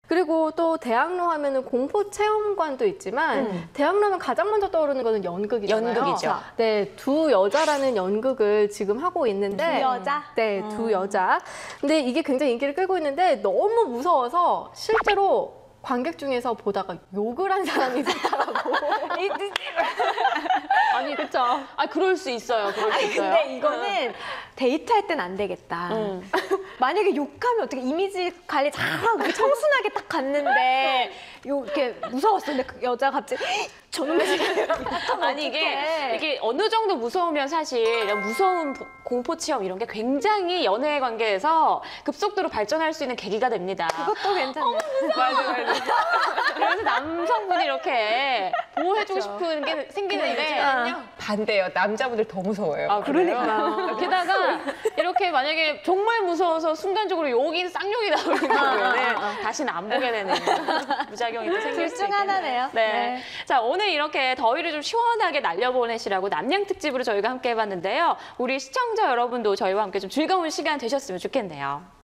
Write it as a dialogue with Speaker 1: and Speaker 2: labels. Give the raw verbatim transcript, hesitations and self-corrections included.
Speaker 1: 그리고 또 대학로 하면은 공포 체험관도 있지만
Speaker 2: 음.
Speaker 1: 대학로 하면 가장 먼저 떠오르는 거는 연극이잖아요.
Speaker 2: 연극이죠.
Speaker 1: 네, 두 여자라는 연극을 지금 하고 있는데
Speaker 3: 두 여자?
Speaker 1: 네, 두 여자. 근데 이게 굉장히 인기를 끌고 있는데 너무 무서워서 실제로 관객 중에서 보다가 욕을 한 사람이 있었더라고.
Speaker 2: 아니,
Speaker 1: 그렇죠.
Speaker 2: 아, 그럴 수 있어요. 그럴 수
Speaker 3: 아니
Speaker 2: 있어요.
Speaker 3: 근데 이거는 데이트할 땐 안 되겠다.
Speaker 2: 음.
Speaker 3: 만약에 욕하면 어떻게 이미지 관리 잘하고 청순하게 딱 갔는데 요 이렇게 무서웠어. 근데 그 여자 갑자기 저놈의
Speaker 2: 아니 이게 이게 어느 정도 무서우면 사실 이런 무서운 보- 공포 체험 이런 게 굉장히 연애 관계에서 급속도로 발전할 수 있는 계기가 됩니다.
Speaker 3: 그것도 괜찮네.
Speaker 2: 맞아, 맞아. 그래서 남성분이 이렇게 보호해주고 싶은 게 생기는데
Speaker 4: 반대예요. 남자분들 더 무서워요.
Speaker 2: 아, 그래요?
Speaker 3: 그러니까.
Speaker 2: 게다가 이렇게 만약에 정말 무서워서 순간적으로 욕이 쌍욕이 나오는 경우에는 다시는 안 보게 되는 부작용이 또 생길
Speaker 3: 둘
Speaker 2: 수
Speaker 3: 중
Speaker 2: 있겠네요.
Speaker 3: 하나네요.
Speaker 2: 네.
Speaker 3: 네.
Speaker 2: 자, 오늘 이렇게 더위를 좀 시원하게 날려보내시라고 남양 특집으로 저희가 함께 해봤는데요. 우리 시청자 여러분도 저희와 함께 좀 즐거운 시간 되셨으면 좋겠네요.